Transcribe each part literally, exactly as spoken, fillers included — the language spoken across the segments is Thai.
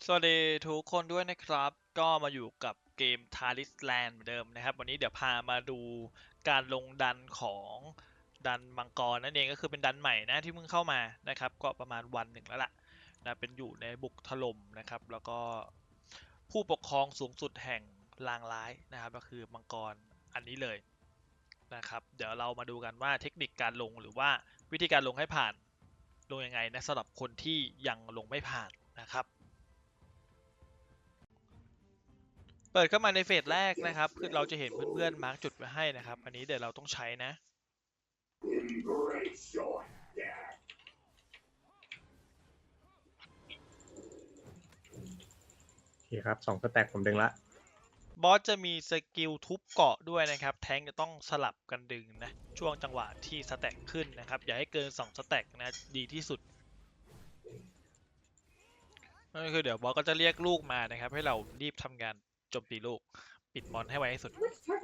สวัสดีทุกคนด้วยนะครับก็มาอยู่กับเกม Talisland เหมือนเดิมนะครับวันนี้เดี๋ยวพามาดูการลงดันของดันมังกรนั่นเองก็คือเป็นดันใหม่นะที่เพิ่งเข้ามานะครับก็ประมาณวันหนึ่งแล้วล่ะนะเป็นอยู่ในบุกถล่มนะครับแล้วก็ผู้ปกครองสูงสุดแห่งลางร้ายนะครับก็คือมังกรอันนี้เลยนะครับเดี๋ยวเรามาดูกันว่าเทคนิคการลงหรือว่าวิธีการลงให้ผ่านลงยังไงนะสำหรับคนที่ยังลงไม่ผ่านนะครับเปิดเข้ามาในเฟสแรกนะครับคือเราจะเห็นเพื่อนๆมาร์กจุดไว้ให้นะครับอันนี้เดี๋ยวเราต้องใช้นะโอเคครับสองสแต็กผมดึงละบอสจะมีสกิลทุบเกาะด้วยนะครับแทงจะต้องสลับกันดึงนะช่วงจังหวะที่สแต็กขึ้นนะครับอย่าให้เกินสองสแต็กนะดีที่สุดนั่นก็คือเดี๋ยวบอสก็จะเรียกลูกมานะครับให้เรารีบทำงานโจมตีลูกปิดมอนให้ไวที่สุด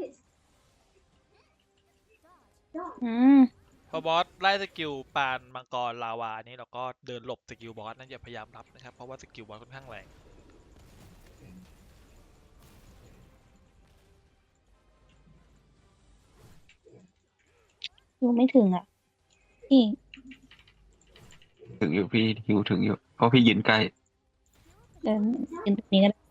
อืมพอบอสไล่สกิลปานมังกรลาวานี่เราก็เดินหลบสกิลบอสนั่นอย่าพยายามรับนะครับเพราะว่าสกิลบอสค่อนข้างแรงอยู่ไม่ถึงอ่ะพี่ถึงอยู่พี่หิวถึงอยู่เพราะพี่ยืนใกล้เดินยืนตรงนี้ก็ได้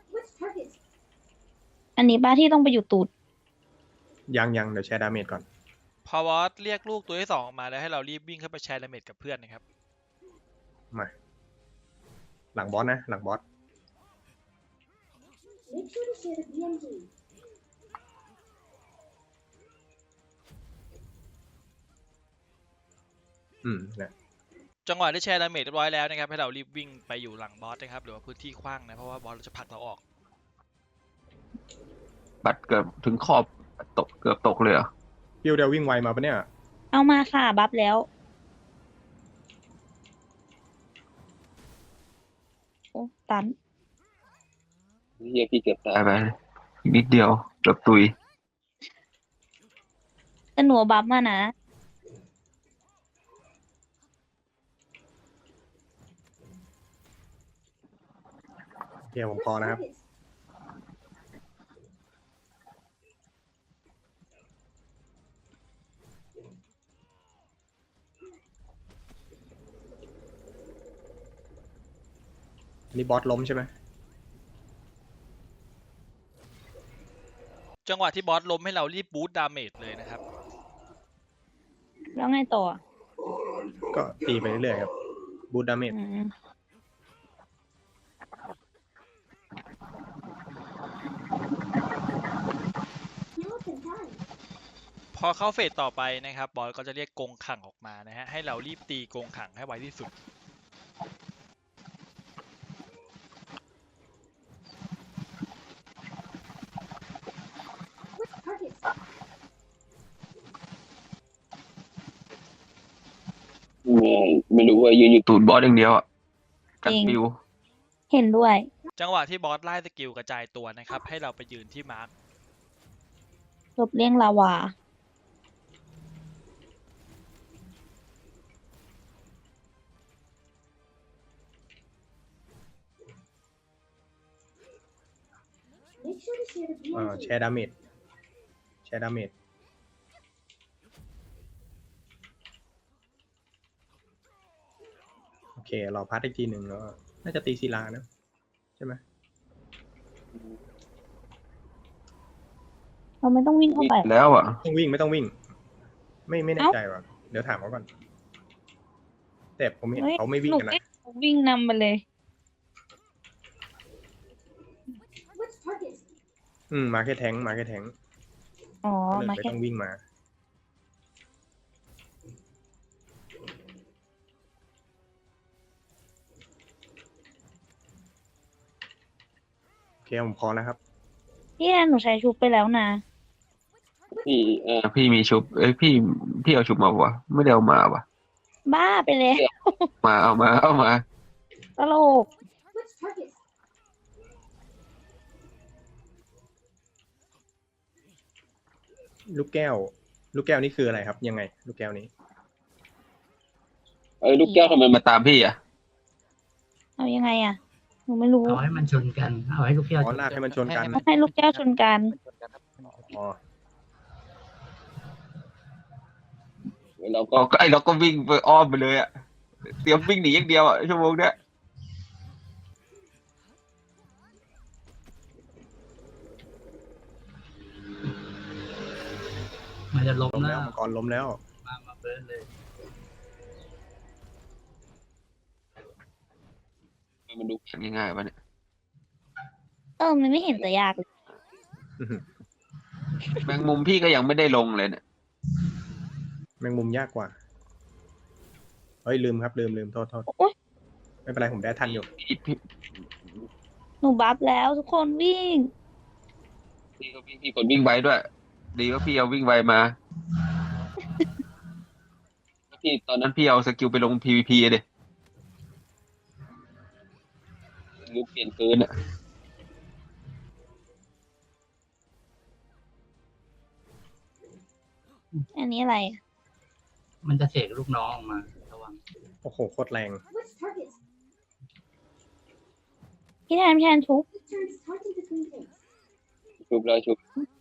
อันนี้ป้าที่ต้องไปอยู่ตูดยังยังเดี๋ยวแชร์ดาเมจก่อนพอบอสเรียกลูกตัวที่สองออกมาแล้วให้เรารีบวิ่งเข้าไปแชร์ดาเมจกับเพื่อนนะครับมาหลังบอสนะหลังบอสอืมนะจังหวะที่แชร์ดาเมจเรียบร้อยแล้วนะครับให้เรารีบวิ่งไปอยู่หลังบอสนะครับหรือว่าพื้นที่กว้างนะเพราะว่าบอสเราจะผลักเราออกบัตรเกือบถึงขอบตกเกือบตกเลยเหรอพิวเดียววิ่งไวมาปะเนี่ยเอามาค่ะบัฟแล้วโอ้ตันเฮียพี่เกือบตายไปอีกนิดเดียวเกือบตุยแต่หนูบัฟมานะโอเคผมพอนะครับอันนี้บอสล้มใช่ไหมจังหวะที่บอสล้มให้เรารีบบูสต์ดาเมจเลยนะครับแล้วไงต่อก็ตีไปเรื่อยๆครับบูทดาเมจอืมพอเข้าเฟสต่อไปนะครับบอสก็จะเรียกกงขังออกมานะฮะให้เรารีบตีกงขังให้ไวที่สุดไม่ไม่รู้ว่ายืนอยู่ตูดบอสอย่างเดียวอ่ะกันปิวเห็นด้วยจังหวะที่บอสไล่สกิลกระจายตัวนะครับให้เราไปยืนที่มาร์คลบเลี่ยงลาวาเอ่อแชร์ดาเมจแชร์ดาเมจโอเคเราพัดอีกทีหนึ่งแล้วน่าจะตีศิลานะใช่ไหมเราไม่ต้องวิ่งเข้าไปแล้วอ่ะต้องวิ่งไม่ต้องวิ่ง ไม่ไม่แน่เอ้าใจว่ะเดี๋ยวถามเขาก่อน แต่ผมเห็นเฮ้ยเขาไม่วิ่งหนูกันนะวิ่งนำไปเลยอืมมาแค่แทงค์มาแค่แทงค์อ๋อก็เลยมาไม่แค่ต้องวิ่งมาโอเคผมพอแล้วครับพี่แอนหนูใช้ชุบไปแล้วนะพี่เออพี่มีชุบเอ้ยพี่พี่เอาชุบมาวะไม่ได้เอามาวะบ้าไปเลยมาเอามาเอามาตลกลูกแก้ว ลูกแก้วนี่คืออะไรครับ ยังไง ลูกแก้วนี้เอ้ยลูกแก้วทำไมมาตามพี่อ่ะเอายังไงอ่ะนูไม่รู้เอาให้มันชนกัน เอาให้ลูกแก้วอ๋ชอน ลากให้มันชนกันต้องให้ลูกแก้วชนกันอ๋อเราก็ไอเราก็วิ่งไปอ้อมไปเลยอะเตรียมวิ่งหนีอย่างเดียวอะชั่วโมงเนี้ยมันจะล้มล้มแล้แล้ววมังกรล้มแล้วมามาเบิร์นเลยมันดูง่ายๆป่ะเนี่ยเออ มันไม่เห็นจะยากเลยแมงมุมพี่ก็ยังไม่ได้ลงเลยเนี่ยแมงมุมยากกว่า เฮ้ยลืมครับลืมลืมโทษโทษโอ๊ยไม่เป็นไรผมได้ทันอยู่พี่พี่หนูบัฟแล้วทุกคนวิ่งพี่ก็วิ่งพี่กดวิ่งไวด้วย ดีว่าพี่เอาวิ่งไวมาพี่ตอนนั้นพี่เอาสกิลไปลง พี วี พี เด็รูปเปลี่ยนปืนอะอันนี้อะไรอะมันจะเสกลูกน้องออกมาระวังโอ้โหโคตรแรงพี่แทนพี่แทนชุบชุบแล้วชุบ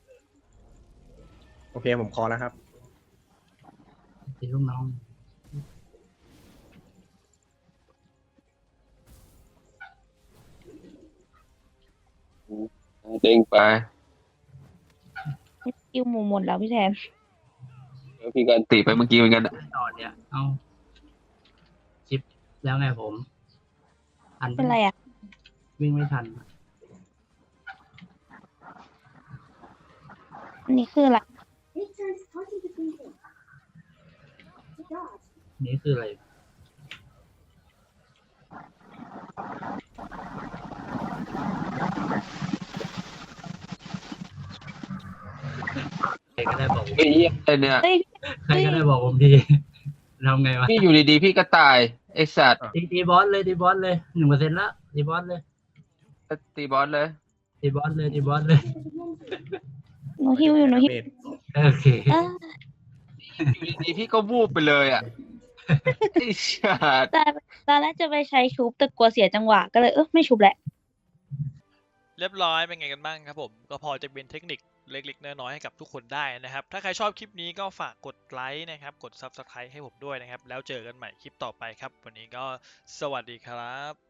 โอเคผมคอแล้วครับตีลูกน้องเด้งไปคิวหมูหมดแล้วพี่แทนแล้วพี่ก็ตีไปเมื่อกี้เหมือนกันอะต่อเนี่ย เอาชิปแล้วไงผม ทันเป็นไรอ่ะวิ่งไม่ทันอันนี้คืออะไรนี่คืออะไร ใครก็ได้บอกผมเฮ้ยเหี้ยอะไรเนี่ยเฮ้ยใครก็ได้บอกผมดีทำไงวะพี่อยู่ดีๆพี่ก็ตายไอสัตว์ตีตีบอสเลยตีบอสเลยหนึ่งเปอร์เซ็นต์ละตีบอสเลยตีบอสเลยตีบอสเลยตีบอสเลยหนูฮิวอยู่หนูฮิวโอเคเอออยู่ดีๆพี่ก็วูบไปเลยอ่ะไอสัตว์แต่ตอนแรกจะไปใช้ชุบแต่กลัวเสียจังหวะก็เลยเออไม่ชุบแหละเรียบร้อยเป็นไงกันบ้างครับผมก็พอจะเป็นเทคนิคเล็กๆน้อยๆให้กับทุกคนได้นะครับถ้าใครชอบคลิปนี้ก็ฝากกดไลค์นะครับกด ซับสไครบ์ ให้ผมด้วยนะครับแล้วเจอกันใหม่คลิปต่อไปครับวันนี้ก็สวัสดีครับ